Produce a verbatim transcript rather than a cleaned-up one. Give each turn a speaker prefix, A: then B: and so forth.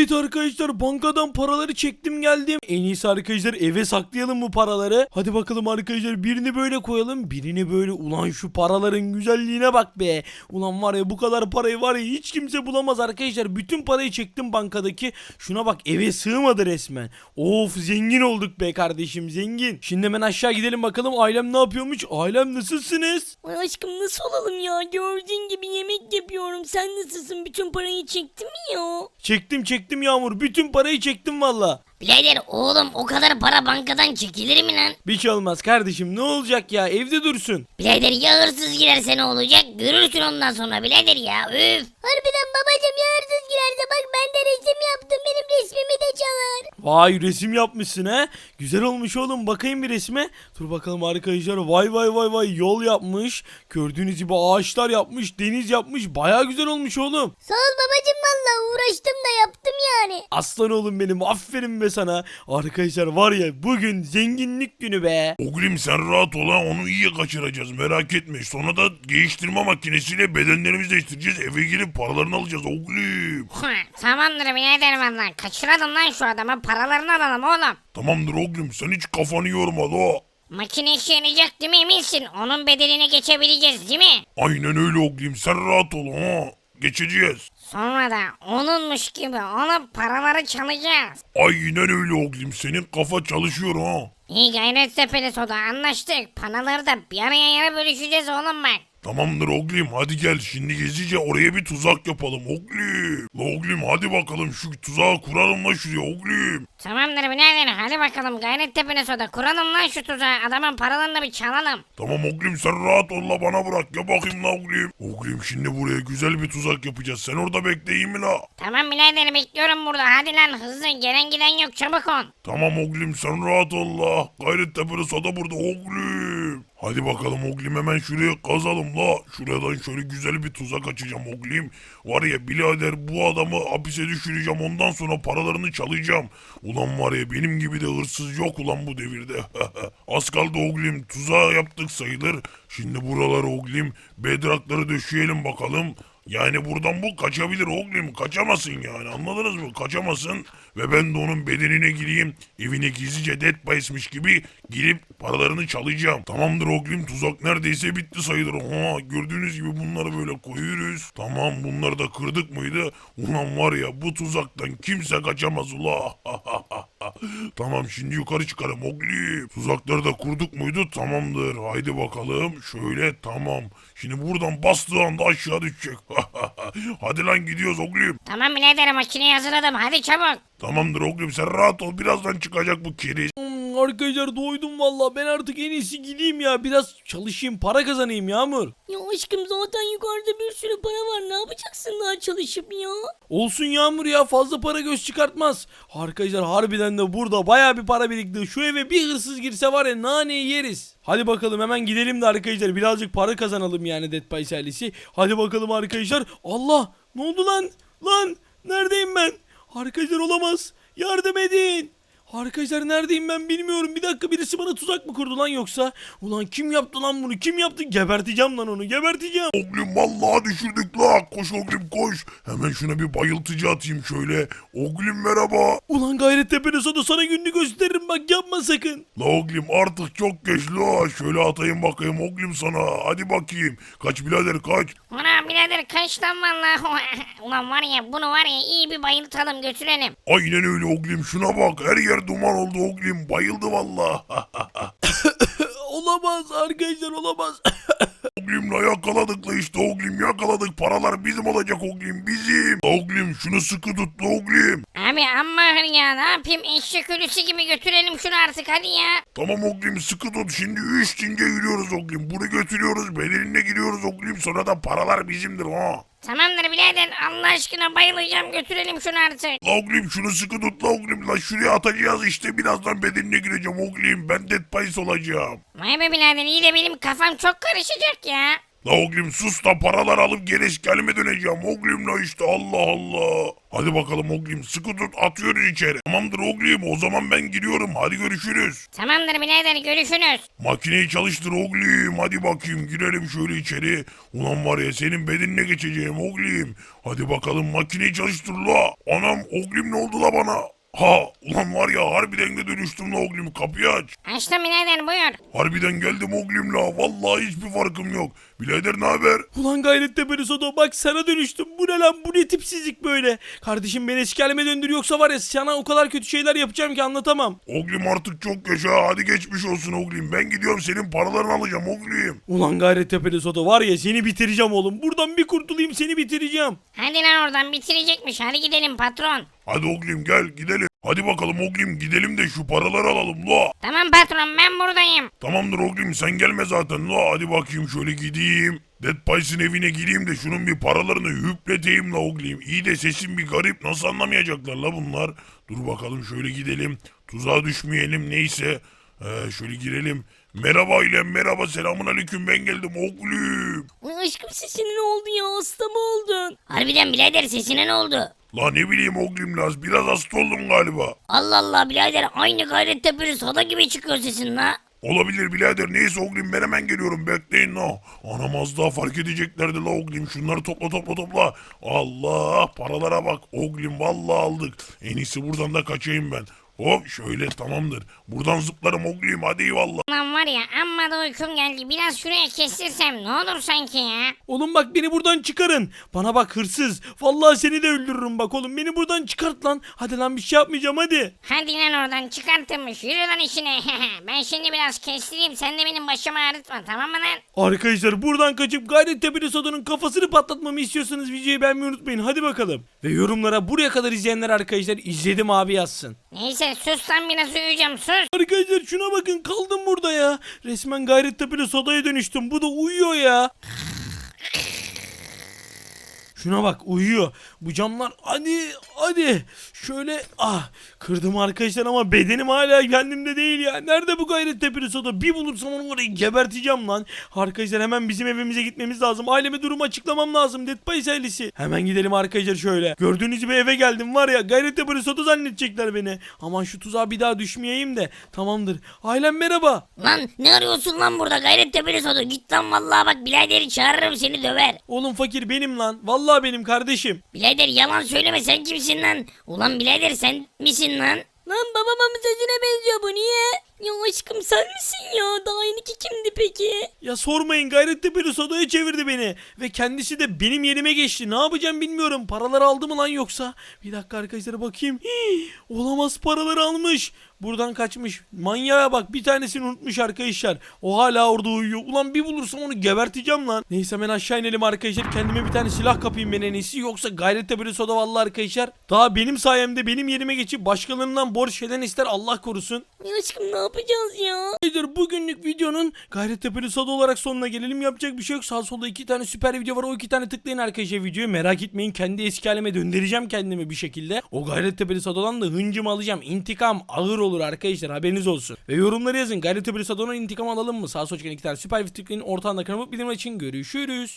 A: Evet arkadaşlar, bankadan paraları çektim geldim. En iyisi arkadaşlar eve saklayalım bu paraları. Hadi bakalım arkadaşlar, birini böyle koyalım, birini böyle. Ulan şu paraların güzelliğine bak be. Ulan var ya, bu kadar parayı var ya hiç kimse bulamaz arkadaşlar. Bütün parayı çektim bankadaki. Şuna bak, eve sığmadı resmen. Of, zengin olduk be kardeşim, zengin. Şimdi hemen aşağı gidelim bakalım ailem ne yapıyormuş. Ailem nasılsınız?
B: Ay aşkım nasıl olalım ya? Gördüğün gibi yemek yapıyorum. Sen nasılsın? Bütün parayı çektin mi ya?
A: Çektim çektim Yağmur, bütün parayı çektim valla.
B: Birader oğlum o kadar para bankadan çekilir mi lan?
A: Bir şey olmaz kardeşim, ne olacak ya, evde dursun.
B: Birader ya hırsız girerse ne olacak? Görürsün ondan sonra birader ya üf. Harbiden babacım ya hırsız girerse bak ben de resim yaptım, benim resmimi de çalar.
A: Vay, resim yapmışsın he. Güzel olmuş oğlum, bakayım bir resme. Dur bakalım arkadaşlar, vay vay vay vay, yol yapmış. Gördüğünüz gibi ağaçlar yapmış, deniz yapmış, baya güzel olmuş oğlum.
B: Sağ ol babacım valla uğraştım da yaptım yani.
A: Aslan oğlum benim, aferin be sana. Arkadaşlar var ya, bugün zenginlik günü be.
C: Oğlum sen rahat ol ha, onu iyi kaçıracağız, merak etme. Sonra da değiştirme makinesiyle bedenlerimizi değiştireceğiz, eve girip paralarını alacağız oğlum.
B: Tamamdır birader valla kaçıralım lan şu adamı, paralarını alalım oğlum.
C: Tamamdır oğlum, sen hiç kafanı yorma la.
B: Makine işe yarayacak değil mi, eminsin? Onun bedeline geçebileceğiz değil mi?
C: Aynen öyle oğlum, sen rahat ol ha. Geçeceğiz.
B: Sonra da onunmuş gibi alıp paraları çalacağız.
C: Aynen öyle oğlum, senin kafa çalışıyor ha.
B: İyi gayret sepeli soda, anlaştık. Paraları da bir araya yere bölüşeceğiz oğlum bak.
C: Tamamdır oğlum, hadi gel şimdi gezice oraya bir tuzak yapalım oğlum. La oğlum hadi bakalım, şu tuzağı kuralım la şuraya oğlum.
B: Tamamdır birader, hadi bakalım gayret tepene soda, kuralım lan şu tuzağı, adamın paralarını bir çalalım.
C: Tamam oğlum, sen rahat ol la, bana bırak ya bakayım la oğlum. Oğlum şimdi buraya güzel bir tuzak yapacağız, sen orada bekleyin mi la?
B: Tamam birader, bekliyorum burada, hadi lan hızlı, gelen giden yok, çabuk ol.
C: Tamam oğlum, sen rahat ol la. Gayrettepe soda burada oğlum. Hadi bakalım oğlum, hemen şuraya kazalım la. Şuradan şöyle güzel bir tuzak açacağım oğlum. Var ya birader, bu adamı hapise düşüreceğim, ondan sonra paralarını çalacağım. Ulan var ya, benim gibi de hırsız yok ulan bu devirde. Az kaldı oğlum, tuzağı yaptık sayılır. Şimdi buraları oğlum, bedrakları döşeyelim bakalım. Yani buradan bu kaçabilir oğlum, kaçamasın yani, anladınız mı? Kaçamasın ve ben de onun bedenine gireyim, evine gizlice Dead Pies'miş gibi girip paralarını çalacağım. Tamamdır oğlum, tuzak neredeyse bitti sayılır. Ha, gördüğünüz gibi bunları böyle koyuyoruz. Tamam, bunları da kırdık mıydı? Ulan var ya, bu tuzaktan kimse kaçamaz ula. Tamam, şimdi yukarı çıkarım oğlum. Tuzakları da kurduk muydu? Tamamdır. Haydi bakalım. Şöyle, tamam. Şimdi buradan bastığı anda aşağı düşecek. Hadi lan gidiyoruz oğlum.
B: Tamam birader, makineyi hazırladım, hadi çabuk.
C: Tamamdır oğlum, sen rahat ol, birazdan çıkacak bu keriz.
A: Hmm, arkadaşlar doydum valla, ben artık en iyisi gideyim ya, biraz çalışayım, para kazanayım Yağmur.
B: Ya aşkım zaten yukarıda bir sürü para var, ne yapacaksın daha çalışıp ya?
A: Olsun Yağmur ya, fazla para göz çıkartmaz. Arkadaşlar harbiden de burada baya bir para birikti. Şu eve bir hırsız girse var ya, naneyi yeriz. Hadi bakalım hemen gidelim de arkadaşlar birazcık para kazanalım yani, Dead Pies ailesi. Hadi bakalım arkadaşlar. Allah, ne oldu lan? Lan neredeyim ben? Arkadaşlar olamaz. Yardım edin. Arkadaşlar neredeyim ben bilmiyorum. Bir dakika, birisi bana tuzak mı kurdu lan yoksa? Ulan kim yaptı lan bunu? Kim yaptı? Geberteceğim lan onu. Geberteceğim.
C: Oğlum vallahi düşürdük la. Koş oğlum koş. Hemen şuna bir bayıltıcı atayım şöyle. Oğlum merhaba.
A: Ulan Gayrettepe'nin soda, sana gününü gösteririm bak, yapma sakın.
C: La oğlum artık çok geç la. Şöyle atayım bakayım oğlum sana. Hadi bakayım. Kaç birader kaç.
B: Ulan birader kaç lan valla. Ulan var ya, bunu var ya iyi bir bayıltalım, götürelim.
C: Aynen öyle oğlum, şuna bak. Her yer duman oldu oğlum. Bayıldı valla.
A: Olamaz arkadaşlar, olamaz.
C: Oğlum la yakaladık la, işte oğlum yakaladık. Paralar bizim olacak oğlum, bizim. La oğlum şunu sıkı tut la oğlum.
B: Abi amma hır ya, ne yapayım, eşek ölüsü gibi götürelim şunu artık, hadi ya.
C: Tamam oğlum, sıkı tut. Şimdi üç tinge yürüyoruz oğlum. Bunu götürüyoruz, bedenine giriyoruz oğlum. Sonra da paralar bizimdir ha.
B: Tamamdır birader, Allah aşkına bayılacağım, götürelim şunu artık.
C: La oğlum şunu sıkı tut la oğlum. La şuraya atacağız işte, birazdan bedenine gireceğim oğlum. Ben Dead Pies olacağım.
B: Vay be birader, iyi de benim kafam çok karışacak ya.
C: La oğlum sus da paralar alıp geri iskelime döneceğim oğlum la işte Allah Allah. Hadi bakalım oğlum sıkı tut atıyoruz içeri. Tamamdır oğlum o zaman ben gidiyorum hadi görüşürüz.
B: Tamamdır birader görüşürüz.
C: Makineyi çalıştır oğlum hadi bakayım girelim şöyle içeri. Ulan var ya senin bedenine geçeceğim oğlum. Hadi bakalım makineyi çalıştır la. Anam oğlum ne oldu la bana? Ha ulan var ya harbiden de dönüştüm la oğlum kapıyı aç.
B: Açtım birader buyur.
C: Harbiden geldim oğlum la vallahi hiçbir farkım yok. Birader ne haber?
A: Ulan Gayrettepe Soda bak sana dönüştüm. Bu ne lan, bu ne tipsizlik böyle. Kardeşim beni eski halime döndür yoksa var ya sana o kadar kötü şeyler yapacağım ki anlatamam.
C: Oğlum artık çok yaşa hadi geçmiş olsun oğlum. Ben gidiyorum senin paralarını alacağım oğlum.
A: Ulan Gayrettepe Soda var ya seni bitireceğim oğlum. Buradan bir kurtulayım seni bitireceğim.
B: Hadi lan oradan bitirecekmiş hadi gidelim patron.
C: Hadi oğlum gel gidelim. Hadi bakalım oğlum gidelim de şu paraları alalım la.
B: Tamam patron ben buradayım.
C: Tamamdır oğlum sen gelme zaten la. Hadi bakayım şöyle gideyim. Dead Pies'in evine gireyim de şunun bir paralarını hüpleteyim la oğlum. İyi de sesim bir garip nasıl anlamayacaklar la bunlar. Dur bakalım şöyle gidelim. Tuzağa düşmeyelim neyse. Ee, şöyle girelim. Merhaba ailem merhaba selamun aleyküm ben geldim oğlum.
B: Ay aşkım sesine ne oldu ya hasta mı oldun? Harbiden birader sesine ne oldu?
C: La ne bileyim oğlum Laz biraz hasta oldum galiba.
B: Allah Allah birader aynı Gayrettepe Soda gibi çıkıyor sesin la.
C: Olabilir birader neyse oğlum ben hemen geliyorum bekleyin la. Anam az daha fark edeceklerdi la oğlum şunları topla topla topla. Allah paralara bak oğlum vallahi aldık. En iyisi buradan da kaçayım ben. Hop şöyle tamamdır. Buradan zıplarım oğlum hadi eyvallah.
B: Lan var ya amma da uykum geldi biraz şuraya kestirsem ne olur sanki ya.
A: Oğlum bak beni buradan çıkarın. Bana bak hırsız. Vallahi seni de öldürürüm bak oğlum. Beni buradan çıkart lan. Hadi lan bir şey yapmayacağım hadi.
B: Hadi lan oradan çıkartılmış yürü lan işine. Ben şimdi biraz kestireyim sen de benim başımı ağrıtma tamam mı lan?
A: Arkadaşlar buradan kaçıp Gayrettepe Soda'nın kafasını patlatmamı istiyorsanız videoyu beğenmeyi unutmayın. Hadi bakalım. Ve yorumlara buraya kadar izleyenler arkadaşlar izledim abi yazsın.
B: Neyse sus lan biraz uyuyacağım sus.
A: Arkadaşlar şuna bakın kaldım burada ya. Resmen Gayrettepe Soda'ya dönüştüm. Bu da uyuyor ya. Şuna bak uyuyor. Bu camlar hadi hadi. Şöyle ah kırdım arkadaşlar ama bedenim hala kendimde değil ya. Nerede bu Gayrettepe Soda? Bir bulursam onu orayı geberteceğim lan. Arkadaşlar hemen bizim evimize gitmemiz lazım. Aileme durumu açıklamam lazım. Dead Pies ailesi. Hemen gidelim arkadaşlar şöyle. Gördüğünüz gibi eve geldim var ya. Gayrettepe Soda zannedecekler beni. Aman şu tuzağa bir daha düşmeyeyim de. Tamamdır. Ailem merhaba.
B: Lan ne arıyorsun lan burada Gayrettepe Soda git lan vallahi bak biraderi çağırırım seni döver.
A: Oğlum fakir benim lan. Vallahi benim kardeşim.
B: Birader yalan söyleme sen kimsin lan? Ulan birader sen misin lan? Lan babamın sesine benziyor bu niye? Ya aşkım sen misin ya? Daha yeni ki kimdi peki?
A: Ya sormayın Gayrettepe Soda'ya çevirdi beni. Ve kendisi de benim yerime geçti. Ne yapacağım bilmiyorum. Paraları aldı mı lan yoksa? Bir dakika arkadaşlar bakayım. Hii, olamaz paraları almış. Buradan kaçmış. Manyağa bak bir tanesini unutmuş arkadaşlar. O hala orada uyuyor. Ulan bir bulursam onu geberteceğim lan. Neyse ben aşağı inelim arkadaşlar. Kendime bir tane silah kapayım ben en iyisi. Yoksa Gayrettepe Soda vallahi arkadaşlar. Daha benim sayemde benim yerime geçip başkalarından borç falan ister Allah korusun.
B: Ya aşkım ne yapacağız ya?
A: Arkadaşlar bugünlük videonun Gayrettepe Soda olarak sonuna gelelim. Yapacak bir şey yok. Sağ solda iki tane süper video var. O iki tane tıklayın arkadaşlar videoyu. Merak etmeyin. Kendi eski halime döndüreceğim kendimi bir şekilde. O Gayrettepe Soda'dan da hıncımı alacağım. İntikam ağır olur arkadaşlar. Haberiniz olsun. Ve yorumları yazın. Gayrettepe Soda'dan intikam alalım mı? Sağ sol çıkan iki tane süper video tıklayın. Ortağında kanalıma bildirim için görüşürüz.